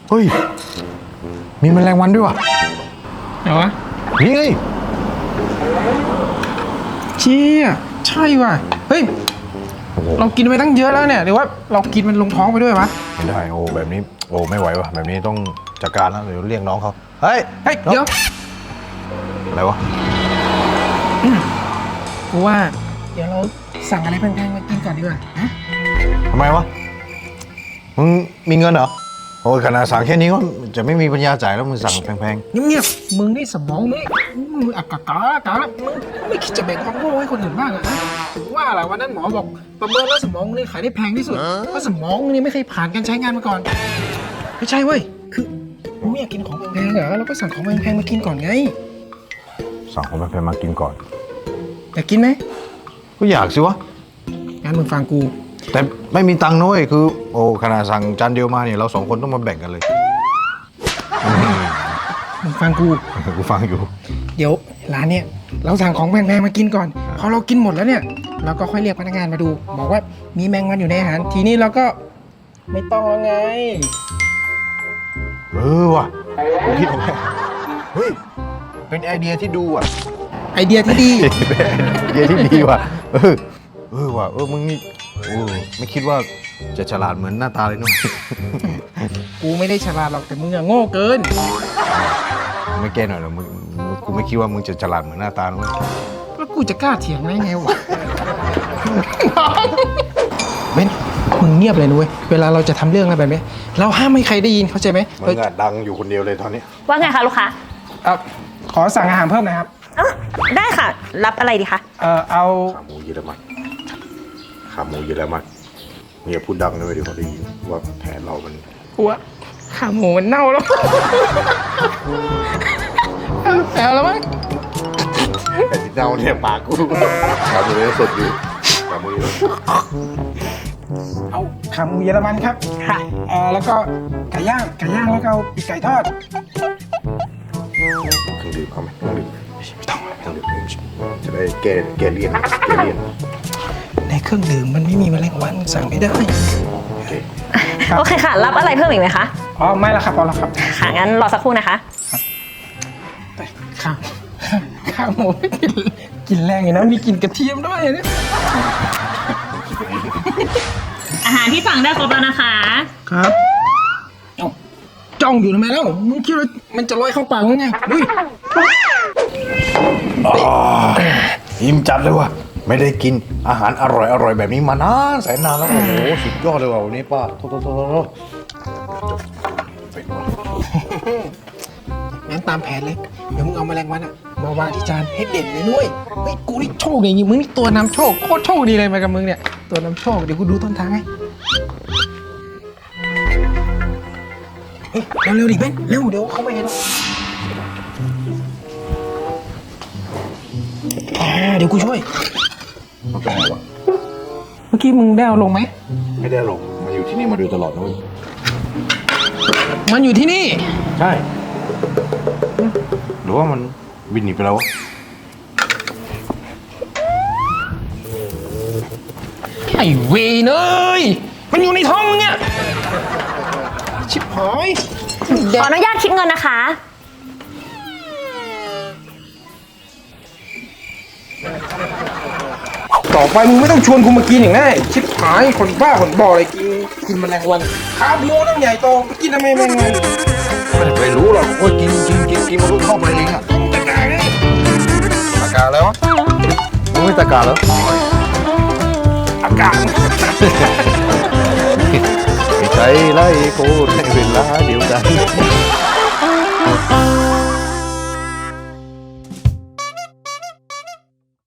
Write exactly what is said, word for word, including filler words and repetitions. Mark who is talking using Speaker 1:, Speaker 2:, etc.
Speaker 1: เฮ้ยมีแมลงวันด้วยวะ
Speaker 2: ไหนวะ
Speaker 1: นี่ไง
Speaker 2: เชี่ยใช่ว่ะเฮ้ยเรากินไปตั้งเยอะแล้วเนี่ยหรือว่าเรากินมันลงท้องไปด้วยวะ
Speaker 1: ไม่ได้โอ้แบบนี้โอ้ไม่ไหววะแบบนี้ต้องจัดการแล้วเดี๋ยวเรียกน้องเขาเฮ้ย
Speaker 2: เฮ้ยเดี๋ยว
Speaker 1: อะไรวะ
Speaker 2: กูว่าเดี๋ยวเราสั่งอะไรแพงๆมากินก่อนดีกว่าฮะ
Speaker 1: ทำไมวะมึงมีเงินเหรอโอ้ยขนาดสั่งแค่นี้ก็จะไม่มีปัญญาจ่ายแล้วมึงสั่งแพง
Speaker 2: ๆเงียบๆมึงนี่สมองนี่มึงอักกะกะกะแล้วมึงไม่คิดจะแบ่งความโง่ให้คนอื่นบ้างเหรอถึงว่าแหละวันนั้นหมอบอกประเมินแล้วสมองนี่ขายได้แพงที่สุดเพราะสมองนี่ไม่เคยผ่านการใช้งานมาก่อนไม่ใช่เว้ยคือมึงไม่อยากกินของแพงๆเหรอเราก็สั่งของแพงๆมากินก่อนไง
Speaker 1: สั่งของแพงๆมากินก่อน
Speaker 2: อยากกินไหม
Speaker 1: ก็อยากสิวะ
Speaker 2: งั้นมึงฟังกู
Speaker 1: แต่ไม่มีตังค์น้อยคือโอ้ขนาดสั่งจานเดียวมาเนี่ยเราสองคนต้องมาแบ่งกันเลย
Speaker 2: มึงฟังกู
Speaker 1: กูฟังอยู่
Speaker 2: เดี๋ยวร้านเนี่ยเราสั่งของแพงๆมากินก่อนพอเรากินหมดแล้วเนี่ยเราก็ค่อยเรียกพนักงานมาดูบอกว่ามีแมงวันอยู่ในอาหารทีนี้เราก็ไม่ต้องแล้วไง
Speaker 1: เออว่ะกูคิดออกแล้วเฮ้ยเป็นไอเดียที่ดูอ่ะ
Speaker 2: ไอเดียที่ดี
Speaker 1: ไอเดียที่ดีว่ะเออเออว่ะเออมึงนี่โอ้ไม่คิดว่าจะฉลาดเหมือนหน้าตาเลยนุ๊ก
Speaker 2: กูไม่ได้ฉลาดหรอกแต่มึงอะโง่เกิน
Speaker 1: ไม่แก้หน่อยหรอมึงกูไม่คิดว่ามึงจะฉลาดเหมือนหน้าตานุ๊ก
Speaker 2: แล้วกูจะกล้าเถียงได้ไงวะเบ้นมึงเงียบเลยนุ้ยเวลาเราจะทำเรื่องอะไรแบบนี้เราห้ามไม่ใครได้ยินเข้าใจไหม
Speaker 1: มึงอะดังอยู่คนเดียวเลยตอนนี้
Speaker 3: ว่าไงคะลูกค้า
Speaker 2: เออขอสั่งอาหารเพิ่มหน่อยครับ
Speaker 3: ได้ค่ะรับอะไรดีคะ
Speaker 2: เออเอา
Speaker 1: ขาหมูเยอรมันขาหมูเยอรมันเนี่ยพูดดังเลยเดี๋ยวเขาได้ยินว่าแผนเรามัน
Speaker 2: กลัวขาหมูมันเน่าแล้วแอบแล้วมั้ง
Speaker 1: แต่ที่เน่าเนี่ยปากกูขาหมูยังสดอยู่ขาหมูเยอรมัน
Speaker 2: เอาขาหมูเยอรมันครับค่ะเออแล้วก็ไก่ย่างไก่ย่างแล้วก็เอาปีกไก่ทอด
Speaker 1: เครื่องดื่มเอาไหมเครื่องดื่มไม่ต้องไม่ต้องดื่มจะได้แก้แก้เลี่ยนแก้เลี่ยน
Speaker 2: ในเครื่องดื่มมันไม่มีแมลงวันสั่งไม่ได้
Speaker 1: โอเค
Speaker 3: โอเคค่ะรับอะไรเพิ่มอีกไหมคะ
Speaker 2: อ๋อไม่ละครับพอละครับ
Speaker 3: ค่ะงั้นรอสักครู่นะคะ
Speaker 2: ข้าวข้าวหมูกินแรงอยู่นะมีกลิ่นกระเทียมด้วยเนี่ย
Speaker 3: อาหารที่สั่งได้ครบแล้วนะคะ
Speaker 2: ครับจ้องอยู่ทำไมแล้วมึงคิดว่ามันจะลอยเข้าปากยังไงดุ้ย
Speaker 1: อิ่มจัดเลยว่ะไม่ได้กินอาหารอร่อยอร่อยแบบนี้มานานแสนนานแล้วโอ้โหสุดยอดเลยว่ะวันนี้ป้าโทษโทษโทษโทษ
Speaker 2: งั้นตามแผนเลยเดี๋ยวมึงเอาแมลงวันอะมาวางที่จานให้เด่นเลยด้วยเฮ้ยกูนี่โชคอย่างงี้มึงนี่ตัวนำโชคโคตรโชคดีเลยมากับมึงเนี่ยตัวนำโชคเดี๋ยวกูดูต้นทางให้เร็วเร็วดิเบ้นเร็วเดี๋ยวเขาไม่เห็นเดี๋ยวกูช่วย
Speaker 1: มันเป็นไงวะ
Speaker 2: เมื่อกี้มึงได้เอาลงไหม
Speaker 1: ไม่ได้ลงมาอยู่ที่นี่มาโดยตลอดนะเว้ย
Speaker 2: มันอยู่ที่นี่
Speaker 1: ใช่หรือว่ามันบินหนีไปแล้ว
Speaker 2: ไอ้เวรเอ้ยมันอยู่ในท้องมึงเนี่ยชิบหาย
Speaker 3: ขออนุญาตคิดเงินนะคะ
Speaker 2: ต่อไปมึงไม่ต้องชวนกูมากินอย่างนั้นชิบหายคนบ้าคนบออะไรกินกินแมลงวันขาโมน้ำใหญ่โตไปกินทำไมแมลงวัน
Speaker 1: ไม่รู้หรอกว่ากินกินกินกินมันก็เข้าไปเองอะ
Speaker 2: ตะกาไง
Speaker 1: ตะกาแล้วมึงไม่ตะกาแล้ว
Speaker 2: อากาศ
Speaker 1: ไม่ใช่ไล่โคตรในเวลาเดียวกัน